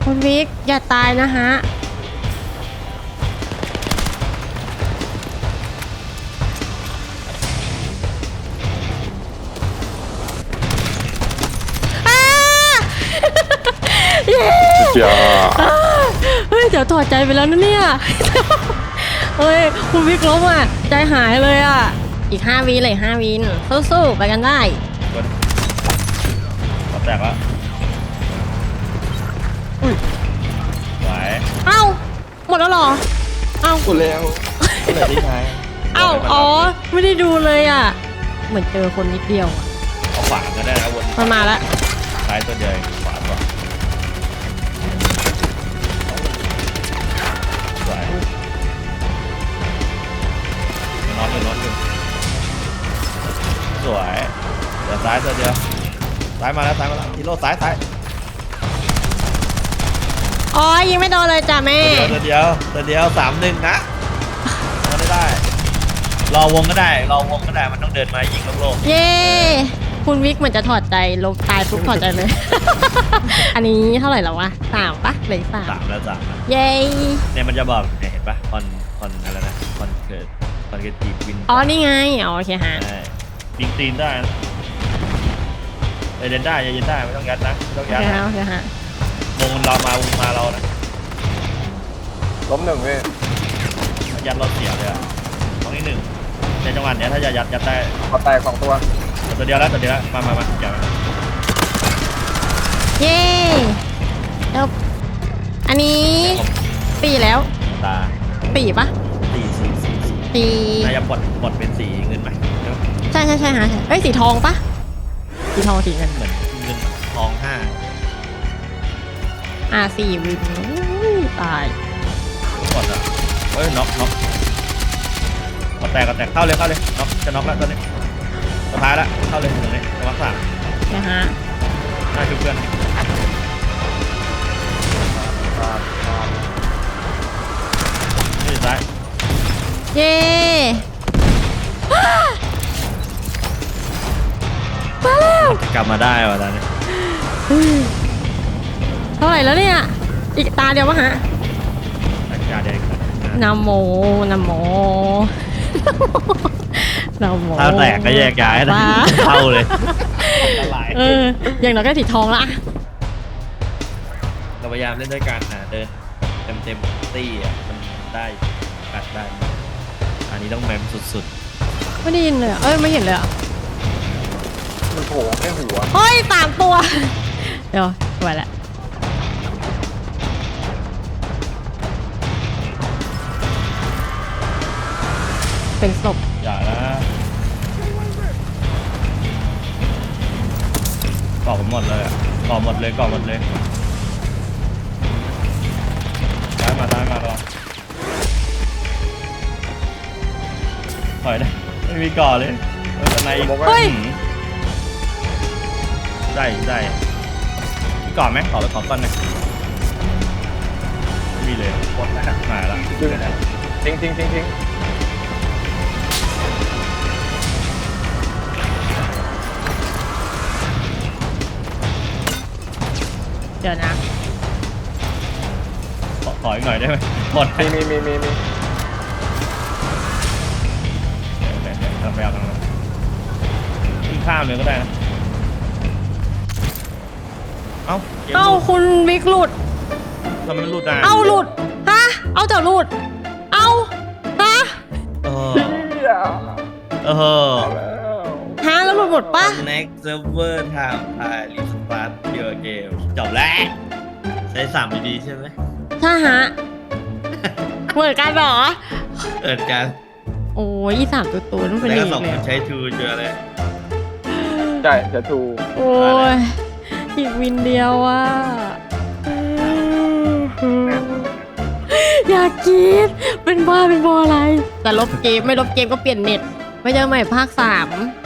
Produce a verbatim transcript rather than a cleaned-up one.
คุณวิกอย่าตายนะฮะเย้เฮ้ยเดี๋ยวถอดใจไปแล้วนะเนี่ยเฮ้ยคุณวิกล้มอ่ะใจหายเลยอ่ะอีกห้าวิเลยห้าวินสู้ๆไปกันได้ก็แตกแล้วอุ้ยไหวเอ้าหมดแล้วหรอเอ้าหมดแล้วก็เลยที่ท้ายเอ้าอ๋อไม่ได้ดูเลยอ่ะเหมือนเจอคนนิดเดียวอ่ะเอาขวาก็ได้นะวนมันมาแล้วซ้ายตัวเดียวขวาตัวสวยนอนอยู่นอนอยู่สวยเดี๋ยวซ้ายตัวเดียวซ้ายมาแล้วซ้ายมาแล้วทีโร่ซ้ายซ้ายอ๋อยิงไม่โดนเลยจ้ะแม่ตัวเดียวตัวเดียวสามหนึ่งนะมาได้ได้รอวงก็ได้รอวงก็ได้มันต้องเดินมายิงโลกเย้คุณวิกเหมือนจะถอดใจลงตายปุ๊บถอดใจเลย อันนี้เท่าไหร่แล้ววะสามปะเหลือสามสามแล้วสามเย้เนี่ยมันจะบอกเนี่ยเห็นปะคอนคอนอะไรนะคอนเกิดคอนเกิดตีวินอ๋อนี่ไงอ๋อโอเคฮะปิงตีนได้เดินได้ยืนได้ไม่ต้องยัดนะไม่ต้องยัดนะโอเคฮะวงเรามาวงมาเรานะล้มหนึ่งพี่ยัดเราเสียเลยอะตรงนี้หนึ่งในจังหวะเนี้ยถ้าจะยัดยัดได้พอแตกสองตัวตัวเดียวแล้วตัวเดียวแล้วมามามาเดี๋ยวเย้จบอันนี้ปีแล้วตาปีปะสีสีสีปีนายจะปลดปลดเป็นสีเงินไหมใช่ใช่ใช่ฮะเอ้ยสีทองปะสีทองสีเงินเหมือนเงินทองห้าอ่าสี่วินตายกดอ่ะเฮ้ยน็อกน็อกก็แตกก็แตกเข้าเลยเข้าเลยน็อกจะน็อกแล้วตอนนี้สุดท้ายแล้วเข้าเลยตรงนี้จังหวะสามนะฮะน่าชุบเพื่อนนี่ซ้ายเย้มาแล้วกลับมาได้ว่ะตอนนี้เท่าไหร่แล้วเนี่ยอีกตาเดียววะฮะตาเดียวนะโมนะโมนะโมถ้าแตกก็แยกย้ายนะเข้าเลยเอออย่างน้อยก็สีทองละเราพยายามเล่นด้วยกันนะเดินเต็มเต็มตี้อ่ะมันได้กัดได้อันนี้ต้องแมมสุดๆไม่ได้ยินเลยเอ้ยไม่เห็นเลยอ่ะมันโผล่แค่หัวเฮ้ยสามตัวเดี๋ยวไปละเป็นศพอย่าละก่อผมหมดเลยอ่ะก่อหมดเลยก่อหมดเลยได้มาได้มาลองถอยได้ไม่มีก่อเลยเออในเฮ้ยได้ได้มีก่อไหมขอไปขอก่อนหน่อยไม่มีเลยหมดแล้วมาแล้วทิ้งทิ้งทิ้งทิ้งเดี๋ยวนะขอขออีกหน่อยได้ไหมหมดมีมีมีมีมีเดี๋ยวเดี๋ยวเราไปเอาตรงนั้นขึ้นข้ามเลยก็ได้นะเอ้าเอ้าคุณวิกหลุดทำไมมันหลุดอ่ะเอ้าหลุดฮะเอาแต่หลุดเอ้าฮะเออเออฮะแล้วหลุดหมดปะ next server time I restart your game จบแล้วใช้สามดีๆใช่ไหมใช่ฮะเหมือนกันเหรอเอิดกันโอ้ยอีสามตัวตัวต้องเป็นลีกเลยใช้ทูเจอเลยใช่จะทูโอ้ยอีกวินเดียวอ่ะอยากกินเป็นบ้าเป็นบออะไรแต่ลบเกมไม่ลบเกมก็เปลี่ยนเน็ตไม่เจอใหม่ภาคสาม